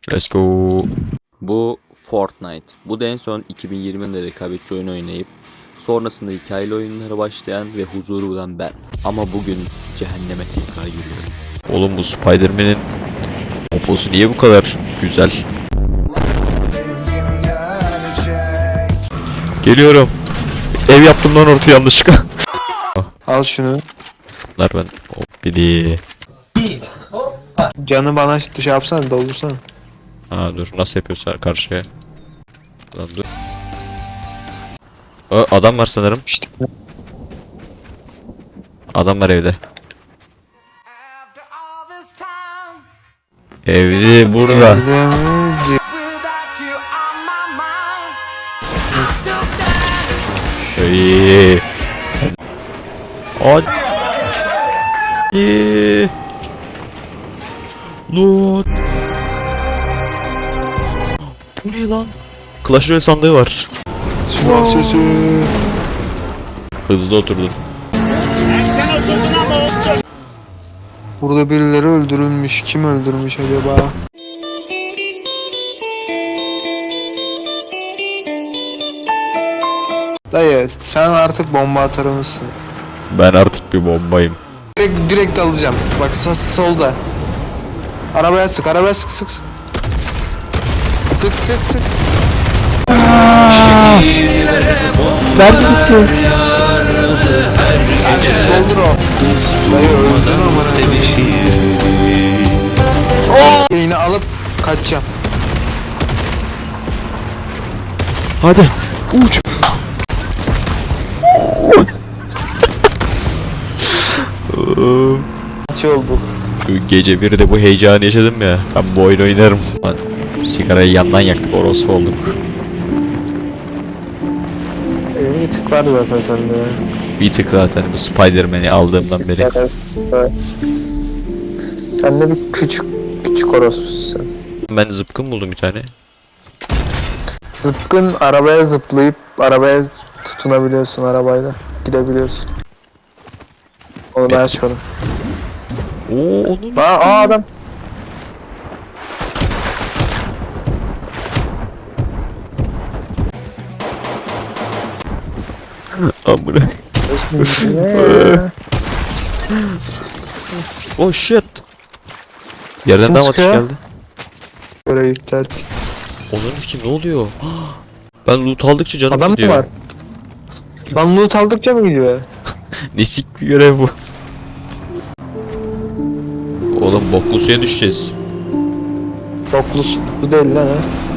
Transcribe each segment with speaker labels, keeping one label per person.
Speaker 1: Let's go.
Speaker 2: Bu Fortnite. Bu da en son 2020'de rekabetçi oyun oynayıp sonrasında hikayeli oyunlara başlayan ve huzuru bulan ben. Ama bugün cehenneme tekrar giriyorum.
Speaker 1: Oğlum bu Spider-Man'in poposu niye bu kadar güzel? Geliyorum. Ev yaptım lan ortaya yanlışlıkla.
Speaker 3: Al şunu.
Speaker 1: Bunlar ben hop bili.
Speaker 3: Canı bana şey yapsana, doldursana.
Speaker 1: Ha dur nasıl yapıyorsa karşıya. Lan dur. Adam var sanırım.
Speaker 3: İşte.
Speaker 1: Adam var evde. Evde burada. İyi. Hadi. Loot. Bu ne lan? Clash Royale sandığı var.
Speaker 3: Silah sesi.
Speaker 1: Hızlı oturdun.
Speaker 3: Burada birileri öldürülmüş. Kim öldürmüş acaba? Dayı sen artık bomba atar mısın?
Speaker 1: Ben artık bir bombayım.
Speaker 3: Direkt alacağım. Bak solda. Arabaya sık, arabaya sık sık sık. Sık sık sık.
Speaker 1: Nerede gitti?
Speaker 3: Doldur o. Dayı öldün ama. Yine alıp kaçacağım.
Speaker 1: Hadi uç.
Speaker 3: Kaç olduk?
Speaker 1: Gece 1'de bu heyecanı yaşadım ya. Ben bu oyunu oynarım. Lan, sigarayı yandan yaktık, orospu olduk.
Speaker 3: Bir tık var zaten sende.
Speaker 1: Bir tık zaten bu Spider-Man'i aldığımdan beri.
Speaker 3: Evet. Sen de bir küçük orospusun sen.
Speaker 1: Ben zıpkın buldum bir tane.
Speaker 3: Zıpkın arabaya zıplayıp arabaya tutunabiliyorsun, arabayla gidebiliyorsun. Onu ben
Speaker 1: Evet.
Speaker 3: açmadım.
Speaker 1: Oo onun.
Speaker 3: Adam.
Speaker 1: Amına. Oh shit. Yerden
Speaker 3: Kim
Speaker 1: daha atış
Speaker 3: sıkıyor?
Speaker 1: geldi.
Speaker 3: Böyle yükselt.
Speaker 1: Onun kim ne oluyor? Ben loot aldıkça canım
Speaker 3: Adam mı
Speaker 1: gidiyor.
Speaker 3: var? Lan loot aldıkça mı gidiyor?
Speaker 1: Nesik bir görev bu. Oğlum boklu suya düşeceğiz.
Speaker 3: Doklusu değil lan ha.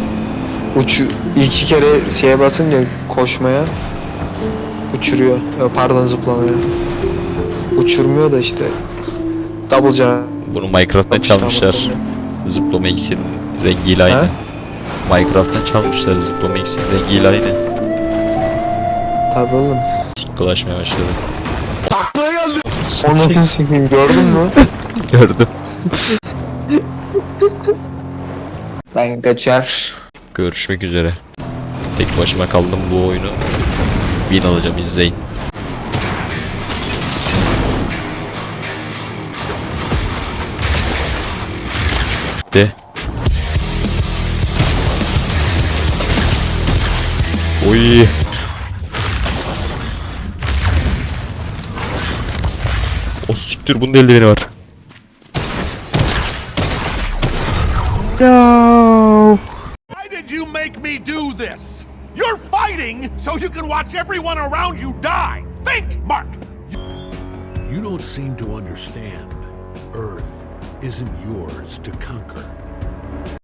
Speaker 3: İki kere şeye basınca koşmaya uçuruyor. Pardon, zıplamaya. Uçurmuyor da işte. Double jump.
Speaker 1: Bunu Minecraft'tan
Speaker 3: Yapmışlar
Speaker 1: çalmışlar.
Speaker 3: muhtemelen.
Speaker 1: Zıplama iksirinin rengiyle aynı.
Speaker 3: Ha?
Speaker 1: Minecraft'tan çalmışlar zıplama iksirinin rengiyle aynı.
Speaker 3: Tabii oğlum.
Speaker 1: Sik dolaşmaya başladı.
Speaker 3: Onu çekeyim, gördün mü?
Speaker 1: Gördüm.
Speaker 3: Ben kaçar.
Speaker 1: Görüşmek üzere. Tek başıma kaldım bu oyunu. Win alacağım, izleyin. De. Oy. O siktir, bunun eldiveni var. No.
Speaker 4: Why did you make me do this? You're fighting so you can watch everyone around you die. Think, Mark!
Speaker 5: You don't seem to understand. Earth isn't yours to conquer.